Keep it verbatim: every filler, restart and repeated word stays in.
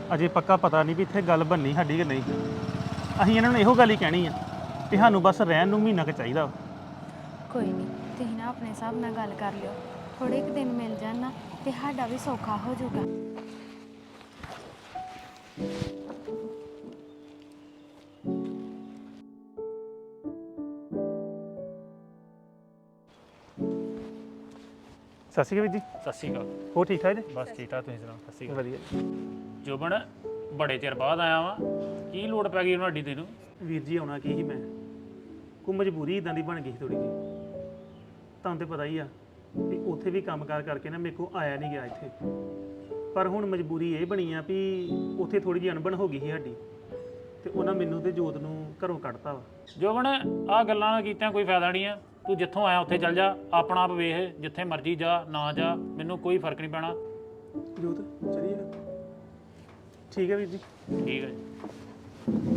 ਅਜੇ ਪੱਕਾ ਪਤਾ ਨਹੀਂ ਵੀ ਇੱਥੇ ਗੱਲ ਬੰਨੀ ਸਾਡੀ ਕਿ ਨਹੀਂ। ਅਸੀਂ ਇਹਨਾਂ ਨੂੰ ਇਹੋ ਗੱਲ ਹੀ ਕਹਿਣੀ ਆ ਕਿ ਸਾਨੂੰ ਬਸ ਰਹਿਣ ਨੂੰ ਮਹੀਨਾ ਕੁ ਚਾਹੀਦਾ ਵਾ। ਕੋਈ ਨਹੀਂ, ਤੁਸੀਂ ਨਾ ਆਪਣੇ ਹਿਸਾਬ ਨਾਲ ਗੱਲ ਕਰ ਲਿਓ। ਥੋੜੇ ਕੁ ਦਿਨ ਮਿਲ ਜਾਣ ਨਾ ਤੇ ਸਾਡਾ ਵੀ ਸੌਖਾ ਹੋ ਜਾਊਗਾ। ਸਤਿ ਸ਼੍ਰੀ ਅਕਾਲ ਵੀਰ ਜੀ। ਸਤਿ ਸ਼੍ਰੀ ਅਕਾਲ। ਹੋ ਠੀਕ ਠਾਕ ਜੀ? ਬਸ ਠੀਕ ਠਾਕ, ਤੁਸੀਂ ਸੁਣਾਓ? ਸਤਿ ਸ਼੍ਰੀ ਅਕਾਲ। ਵਧੀਆ। ਜੋਬਨ, ਬੜੇ ਚਿਰ ਬਾਅਦ ਆਇਆ ਵਾਂ, ਕੀ ਲੋੜ ਪੈ ਗਈ ਉਹਨਾਂ ਅੱਡੀ ਤੈਨੂੰ? ਵੀਰ ਜੀ ਆਉਣਾ ਕੀ ਸੀ ਮੈਂ, ਕੋਈ ਮਜਬੂਰੀ ਇਦਾਂ ਦੀ ਬਣ ਗਈ ਸੀ ਥੋੜੀ ਜਿਹੀ। ਤੁਹਾਨੂੰ ਤੇ ਪਤਾ ਹੀ ਆ ਵੀ ਉੱਥੇ ਵੀ ਕੰਮਕਾਰ ਕਰਕੇ ਨਾ ਮੇਰੇ ਕੋਲ ਆਇਆ ਨਹੀਂ ਗਿਆ ਇੱਥੇ। ਪਰ ਹੁਣ ਮਜਬੂਰੀ ਇਹ ਬਣੀ ਆ ਵੀ ਉੱਥੇ ਥੋੜੀ ਜਿਹੀ ਅਣਬਣ ਹੋ ਗਈ ਸੀ ਸਾਡੀ, ਤੇ ਉਹਨਾਂ ਮੈਨੂੰ ਤੇ ਜੋਤ ਨੂੰ ਘਰੋਂ ਕੱਢਤਾ ਵਾ। ਜੋਬਨ, ਆਹ ਗੱਲਾਂ ਨਾਲ ਕੀਤਿਆਂ ਕੋਈ ਫਾਇਦਾ ਨਹੀਂ ਆ। ਤੂੰ ਜਿੱਥੋਂ ਆਇਆ ਉੱਥੇ ਚੱਲ ਜਾ, ਆਪਣਾ ਆਪ ਵੇਖ, ਜਿੱਥੇ ਮਰਜ਼ੀ ਜਾ ਨਾ ਜਾ, ਮੈਨੂੰ ਕੋਈ ਫਰਕ ਨਹੀਂ ਪੈਣਾ। ਜੋਤ ਚਲੀਏ। ਠੀਕ ਹੈ ਵੀਰ ਜੀ। ਠੀਕ ਹੈ ਜੀ।